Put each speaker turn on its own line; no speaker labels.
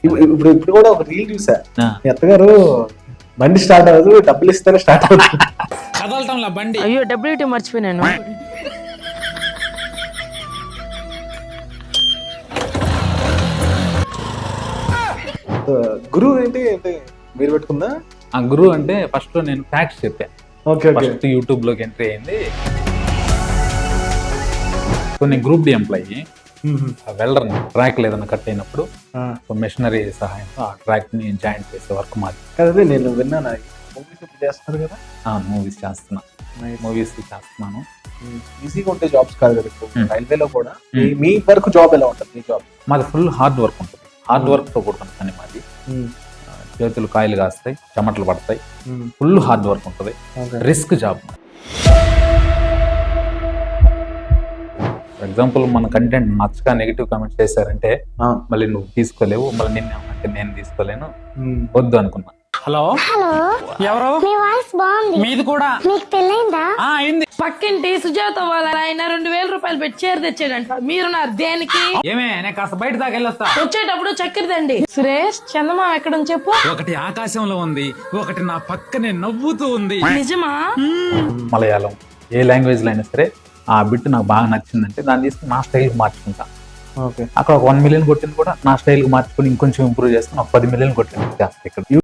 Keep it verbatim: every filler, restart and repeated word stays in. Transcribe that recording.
ఇప్పుడు ఇప్పుడు కూడా ఒక రీల్ చూసా,
ఆ.
మీ అత్తగారు బండి స్టార్ట్ అవ్వదు, డబ్బులు ఇస్తేనే స్టార్ట్ అవుతుంది.
కదలటంలా బండి.
అయ్యో డబ్ల్యూటీ మర్చిపోయినాను.
గురువు ఏంటి ఏంటి మీరు పెట్టుకుందా?
ఆ గురువు అంటే ఫస్ట్ లో నేను ఫ్యాక్ట్స్ చెప్పాను.
Okay okay.
ఫస్ట్ యూట్యూబ్ లోకి ఎంట్రీ అయింది. కొన్ని group D employee welder track లేదన్నా కట్ అయినప్పుడు మెషినరీ సహాయంతో ఆ ట్రాక్ ని జాయింట్ చేసే వర్క్ మాది.
అదే నేను విన్నాను, మూవీస్ ఇప్పుడు చేస్తున్నారు కదా.
మూవీస్ చేస్తున్నా, మూవీస్ చేస్తున్నాను.
ఈజీగా ఉంటే జాబ్స్ కాదు కదా ఇప్పుడు
Hmm.
రైల్వేలో కూడా.
Hmm.
మీ- మీ వరకు జాబ్ ఎలా ఉంటుంది? మీ జాబ్
మాది ఫుల్ హార్డ్ వర్క్ ఉంటుంది. హార్డ్ వర్క్ తో కూడుకున్న పని మాది. ఆ, చేతులు కాయలు కాస్తాయి, చెమటలు పడతాయి, ఫుల్ హార్డ్ వర్క్ ఉంటుంది, రిస్క్ జాబ్. ఫర్ ఎగ్జాంపుల్ మన కంటెంట్ నచ్చక నెగిటివ్ కామెంట్స్ చేశారంటే మళ్ళీ నువ్వు తీసుకోలేవు, మళ్ళీ నిన్న అంటే నేను తీసుకోలేను, వద్దు అనుకున్నా.
హలో
హలో,
ఎవరు?
మీ వాయిస్ బాగుంది.
మీది కూడా
మీకు పెళ్ళైందా?
ఆ అయింది.
పక్కింటి సుజాత వాళ్ళ ఆయన రెండు వేల రూపాయలు పెట్టి చీర తెచ్చాడంట. మీరు నా దేనికి?
ఏమే నేను కాస్త బయట దాకా వెళ్ళొస్తా.
వచ్చేటప్పుడు చక్కెర తండి. సురేష్ చందమా ఎక్కడని చెప్పు.
ఒకటి ఆకాశంలో ఉంది, ఒకటి నా పక్కనే నవ్వుతూ ఉంది.
నిజమా?
మలయాళం ఏ లాంగ్వేజ్ లో అయినా సరే ఆ బిట్ నాకు బాగా నచ్చిందంటే దాన్ని తీసుకుని నా స్టైల్కి మార్చుకుంటా.
ఓకే.
అక్కడ ఒక వన్ మిలియన్ కొట్టింది కూడా నా స్టైల్కి మార్చుకుని ఇంకొంచెం ఇంప్రూవ్ చేసుకుని ఒక పది మిలియన్ కొట్టింది చేస్తా ఇక్కడ.